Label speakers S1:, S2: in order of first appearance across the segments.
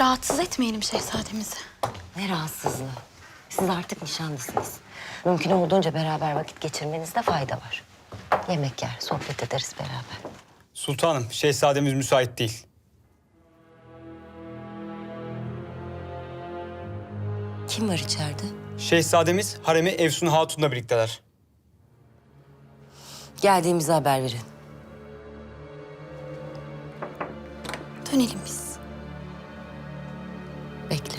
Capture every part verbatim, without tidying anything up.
S1: Rahatsız etmeyelim şehzademizi.
S2: Ne rahatsızlığı. Siz artık nişanlısınız. Mümkün olduğunca beraber vakit geçirmenizde fayda var. Yemek yer, sohbet ederiz beraber.
S3: Sultanım, şehzademiz müsait değil.
S2: Kim var içeride?
S3: Şehzademiz haremi Efsun Hatun'la birlikteler.
S2: Geldiğimizi haber verin.
S1: Dönelim biz.
S2: Bekle.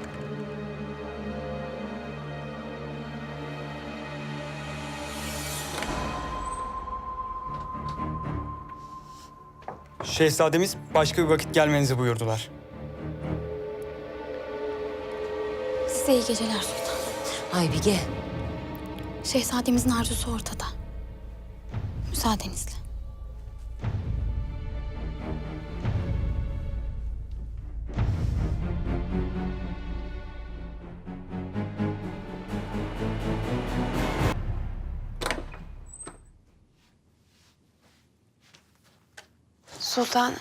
S3: Şehzademiz başka bir vakit gelmenizi buyurdular.
S1: Size iyi geceler sultanım.
S2: Aybige.
S1: Şehzademizin arzusu ortada. Müsaadenizle.
S4: Sultanım.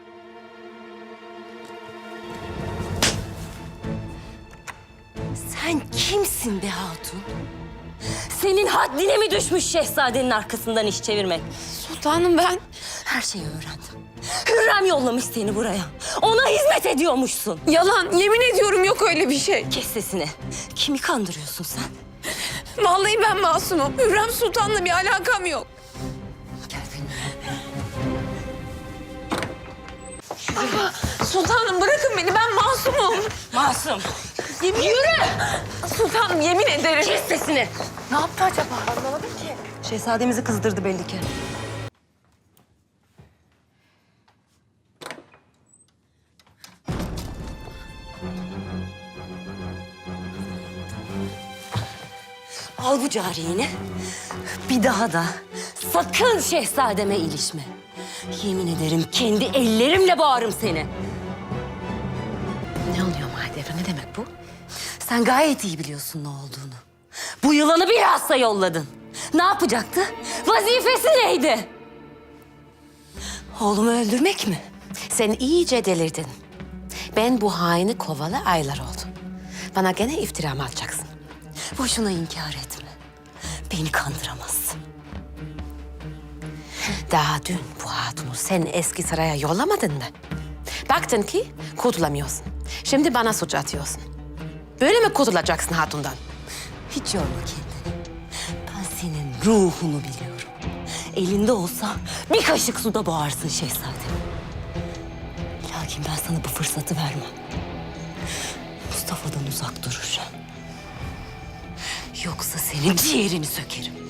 S2: Sen kimsin be hatun? Senin haddine mi düşmüş şehzadenin arkasından iş çevirmek?
S4: Sultanım ben...
S2: Her şeyi öğrendim. Hürrem yollamış seni buraya. Ona hizmet ediyormuşsun.
S4: Yalan, yemin ediyorum yok öyle bir şey.
S2: Kes sesini. Kimi kandırıyorsun sen?
S4: Vallahi ben masumum. Hürrem Sultan'la bir alakam yok.
S2: Gel benimle.
S4: Ama sultanım bırakın beni, ben masumum.
S2: Masum.
S4: Yemin... Yürü! Sultanım yemin ederim.
S2: Kes sesini.
S4: Ne yaptı acaba? Anlamadım ki.
S2: Şehzademizi kızdırdı belli ki. Al bu cariyeni. Bir daha da sakın şehzademe ilişme. Yemin ederim kendi ellerimle boğarım seni.
S5: Ne oluyor Mahidevran? Ne demek bu?
S2: Sen gayet iyi biliyorsun ne olduğunu. Bu yılanı bilhassa yolladın. Ne yapacaktı? Vazifesi neydi? Oğlumu öldürmek mi?
S5: Sen iyice delirdin. Ben bu haini kovalı aylar oldu. Bana gene iftira mı atacaksın?
S2: Boşuna inkar etme. Beni kandıramazsın.
S5: Daha dün bu hatunu sen eski saraya yollamadın mı? Baktın ki kurtulamıyorsun. Şimdi bana suç atıyorsun. Böyle mi kurtulacaksın hatundan?
S2: Hiç yorma kendini. Ben senin ruhunu biliyorum. Elinde olsa bir kaşık suda boğarsın şehzadem. Lakin ben sana bu fırsatı vermem. Mustafa'dan uzak durursan. Yoksa senin ciğerini sökerim.